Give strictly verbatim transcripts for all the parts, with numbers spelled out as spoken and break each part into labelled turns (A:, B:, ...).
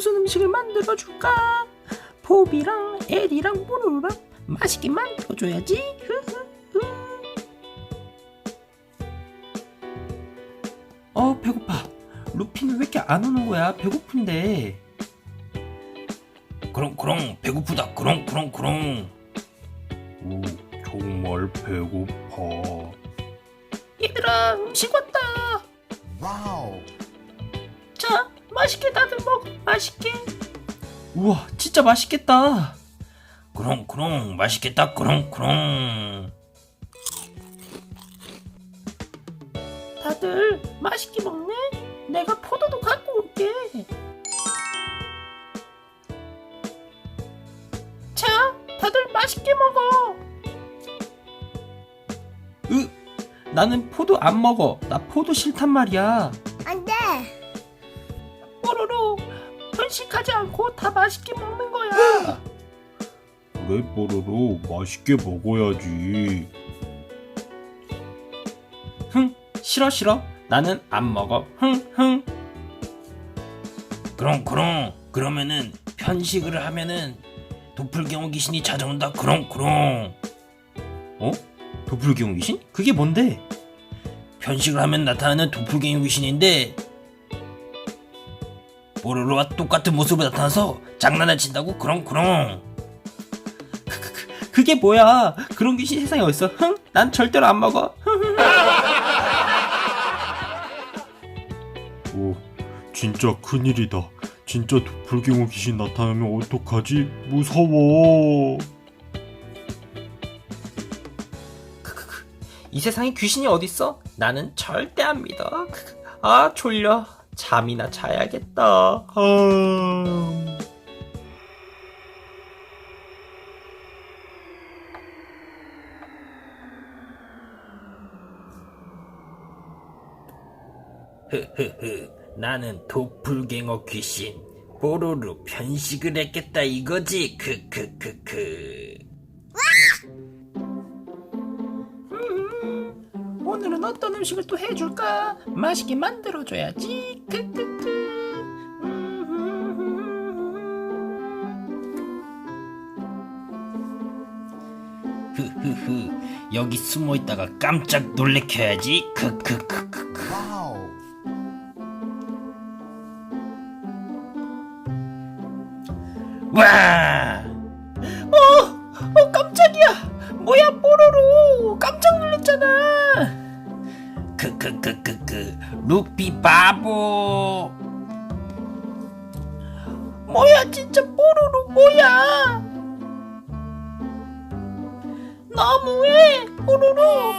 A: 무슨 음식을 만들어줄까? 포비랑 에리랑 뽀로로랑 맛있게 만들어줘야지. 흐흐흐. 어, 배고파. 루피는 왜 이렇게 안 오는 거야? 배고픈데.
B: 그렁그렁 배고프다. 그렁그렁그렁.
C: 오, 정말 배고파.
A: 얘들아, 음식 왔다.
D: 와우.
A: 자, 맛있게 다들 먹어. 맛있게. 우와, 진짜 맛있겠다.
B: 그렁그렁 맛있겠다. 그렁그렁.
A: 다들 맛있게 먹네. 내가 포도도 갖고 올게. 자, 다들 맛있게 먹어. 으, 나는 포도 안 먹어. 나 포도 싫단 말이야.
E: 안 돼.
A: 뽀로로, 편식하지 않고 다 맛있게 먹는 거야.
C: 그래, 뽀로로 맛있게 먹어야지.
A: 흥, 싫어 싫어. 나는 안 먹어. 흥, 흥.
B: 그렁그렁. 그러면은 편식을 하면은 도플갱어 귀신이 찾아온다. 그렁그렁.
A: 어? 도플갱어 귀신? 그게 뭔데?
B: 편식을 하면 나타나는 도플갱어 귀신인데 뽀로로와 똑같은 모습으로 나타나서 장난을 친다고. 그렁그렁.
A: 그, 그, 그, 그게 뭐야? 그런 귀신 세상에 어딨어? 흥? 난 절대로 안 먹어.
C: 오, 진짜 큰일이다. 진짜 도플갱어 귀신 나타나면 어떡하지? 무서워.
A: 크크크. 이 세상에 귀신이 어딨어? 나는 절대 안 믿어. 크크. 아, 졸려. 잠이나 자야겠다. 아...
B: 흐흐흐. 나는 도플갱어 귀신 뽀로로 편식을 했겠다 이거지. 크크크크.
A: 음, 오늘은 어떤 음식을 또 해줄까? 맛있게 만들어줘야지. 크크크.
B: 흐흐흐. 여기 숨어있다가 깜짝 놀래켜야지. 크크크크크.
D: 와우.
B: 와!
A: 어, 어, 깜짝이야. 뭐야, 뽀로로. 깜짝 놀랐잖아.
B: 크크크크크. 루피 바보.
A: 뭐야, 진짜 뽀로로 뭐야. 너무해, 뽀로로.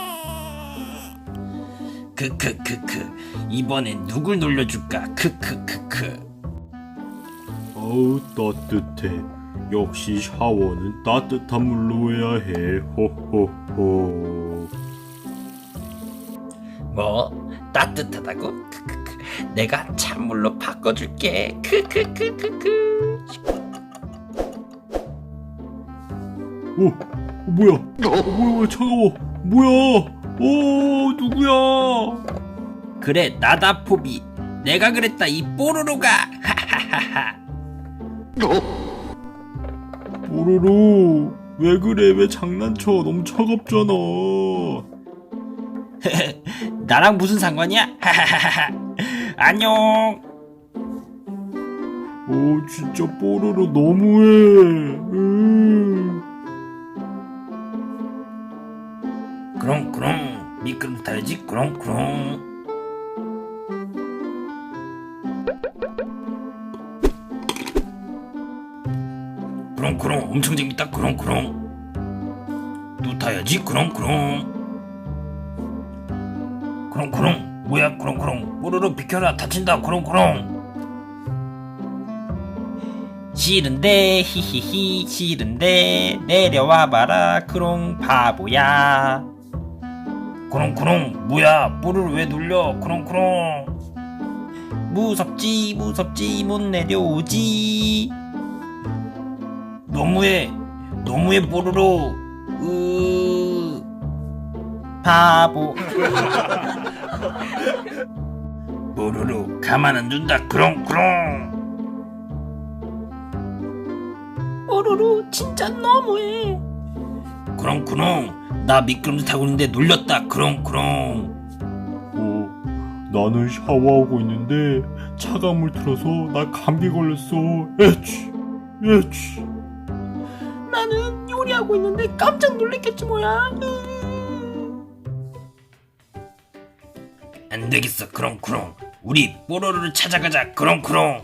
B: 크크크크. 이번엔 누굴 놀려줄까? 크크크크.
C: 어우, 따뜻해. 역시 샤워는 따뜻한 물로 해야 해. 호호호.
B: 뭐? 따뜻하다고? 크크크. 내가 찬물로 바꿔줄게. 크크크크크.
C: 오, 어, 뭐야? 어, 뭐야, 왜 차가워? 뭐야? 어, 누구야?
B: 그래, 나다 포비. 내가 그랬다 이 뽀로로가. 하하하하.
C: 뽀로로, 왜 그래? 왜 장난쳐? 너무 차갑잖아.
B: 나랑 무슨 상관이야? 하하하하. 안녕.
C: 어, 진짜 뽀로로 너무해. 음.
B: 그렁그렁. 미끄럼 타야지. 그렁그렁. 그렁그렁. 엄청 재밌다. 그렁그렁. 또 타야지. 그렁그렁. 그렁그렁. 뭐야? 그렁그렁. 뽀로로 비켜라. 다친다. 그렁그렁. 싫은데 히히히 싫은데 내려와봐라. 크롱 바보야. 그렁그렁. 뭐야? 뽀로로 왜 눌려? 그렁그렁. 무섭지 무섭지 못 내려오지. 너무해 너무해 뽀로로. 으 바보. 뽀로로 가만 안 둔다. 그렁그렁. 그렁그렁 나 미끄럼틀 타고 있는데 놀렸다 그렁그렁.
C: 어, 나는 샤워하고 있는데 차가운 물 틀어서 나 감기 걸렸어. 에취, 에취.
A: 나는 요리하고 있는데 깜짝 놀랐겠지 뭐야.
B: 안 되겠어 그렁그렁 우리 뽀로로를 찾아가자 그렁그렁.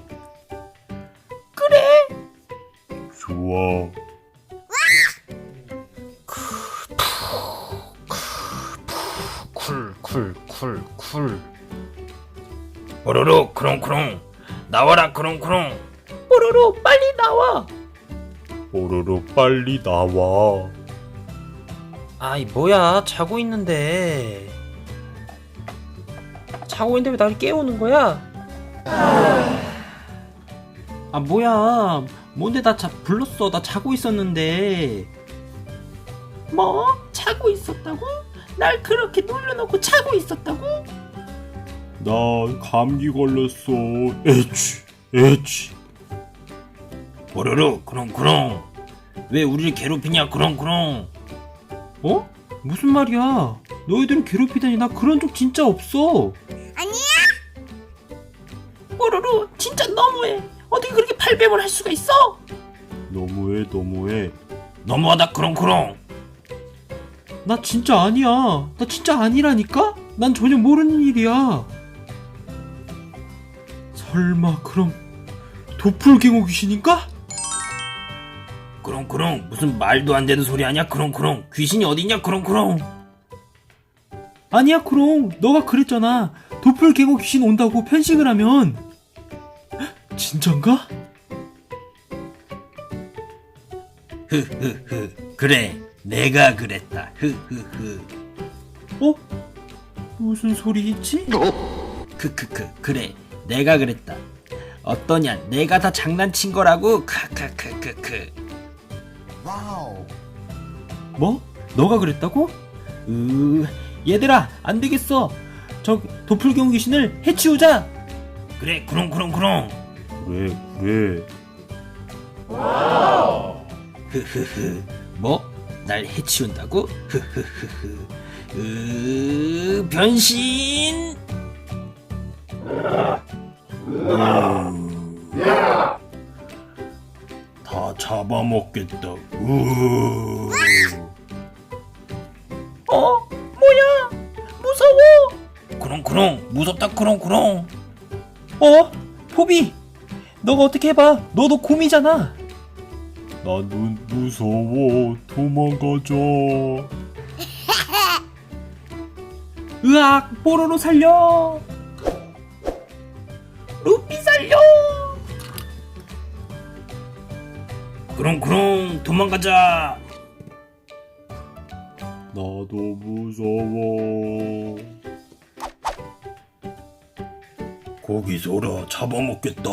A: 그래.
C: 좋아.
A: 쿨쿨쿨쿨.
B: 뽀로로 그렁그렁 나와라 그렁그렁.
A: 뽀로로 빨리 나와.
C: 뽀로로 빨리 나와.
A: 아이 뭐야, 자고 있는데. 자고 있는데 왜 나를 깨우는 거야? 아 뭐야, 뭔데 나 자, 불렀어. 나 자고 있었는데. 뭐? 자고 있었다고? 날 그렇게 놀려놓고 자고 있었다고?
C: 나 감기 걸렸어. 에취, 에취.
B: 뽀로로 그렁그렁 왜 우리를 괴롭히냐 그렁그렁.
A: 어? 무슨 말이야? 너희들을 괴롭히다니, 나 그런 적 진짜 없어. 아니야. 뽀로로 진짜 너무해. 어떻게 그렇게 발뺌을 할 수가 있어?
C: 너무해, 너무해.
B: 너무하다 그렁그렁.
A: 나 진짜 아니야. 나 진짜 아니라니까? 난 전혀 모르는 일이야. 설마 그럼 도플갱어 귀신인가?
B: 그렁그렁 무슨 말도 안 되는 소리 아니야 그렁그렁. 귀신이 어딨냐 그렁그렁.
A: 아니야 크롱, 너가 그랬잖아. 도플갱어 귀신 온다고 편식을 하면. 진짠가?
B: 흐흐흐 그래 내가 그랬다 흐흐흐.
A: 어? 무슨 소리지?
B: 크크크 그래 내가 그랬다. 어떠냐 내가 다 장난친 거라고 크크크크크.
A: 뭐? 너가 그랬다고? 으, 얘들아 안 되겠어. 저 도플갱어 귀신을 해치우자.
B: 그래 그렁그렁그렁.
C: 그래, 그래.
B: 흐흐흐 뭐? 날 해치운다고? 흐흐흐흐 으 변신.
C: 다 잡아먹겠다. 으.
A: 어? 뭐야? 무서워.
B: 그렁그렁 무섭다 그렁그렁.
A: 어? 포비, 너가 어떻게 해봐. 너도 곰이잖아.
C: 나는 무서워. 도망가자.
A: 으악, 뽀로로 살려. 루피 살려.
B: 그렁그렁 도망가자.
C: 나도 무서워.
B: 고기 줘라 잡아먹겠다.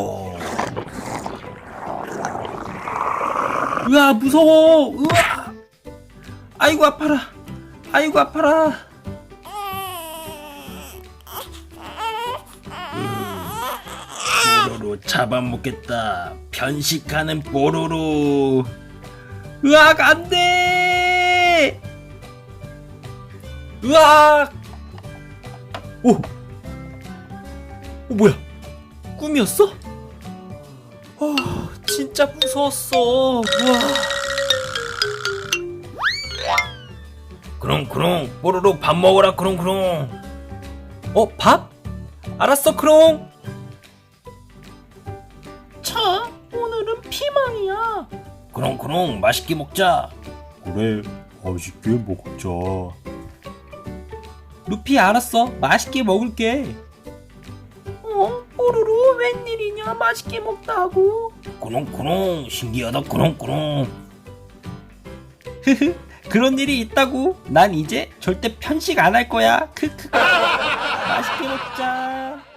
A: 으아, 무서워. 으아. 아이고 아파라. 아이고 아파라.
B: 뽀로로 잡아먹겠다. 편식하는 뽀로로.
A: 으악, 안돼. 으악. 오. 어, 뭐야? 꿈이었어? 어, 진짜 무서웠어. 우와.
B: 그렁그렁 뽀로로 밥 먹어라 그렁그렁.
A: 어, 밥? 알았어, 크롱. 자, 오늘은 피망이야.
B: 그렁그렁 맛있게 먹자.
C: 그래, 맛있게 먹자.
A: 루피, 알았어. 맛있게 먹을게. 어? 뽀로로 웬일이냐? 맛있게 먹다고.
B: 그렁그렁 신기하다 그렁그렁.
A: 그런 일이 있다고. 난 이제 절대 편식 안 할 거야. 크크. 맛있게 먹자.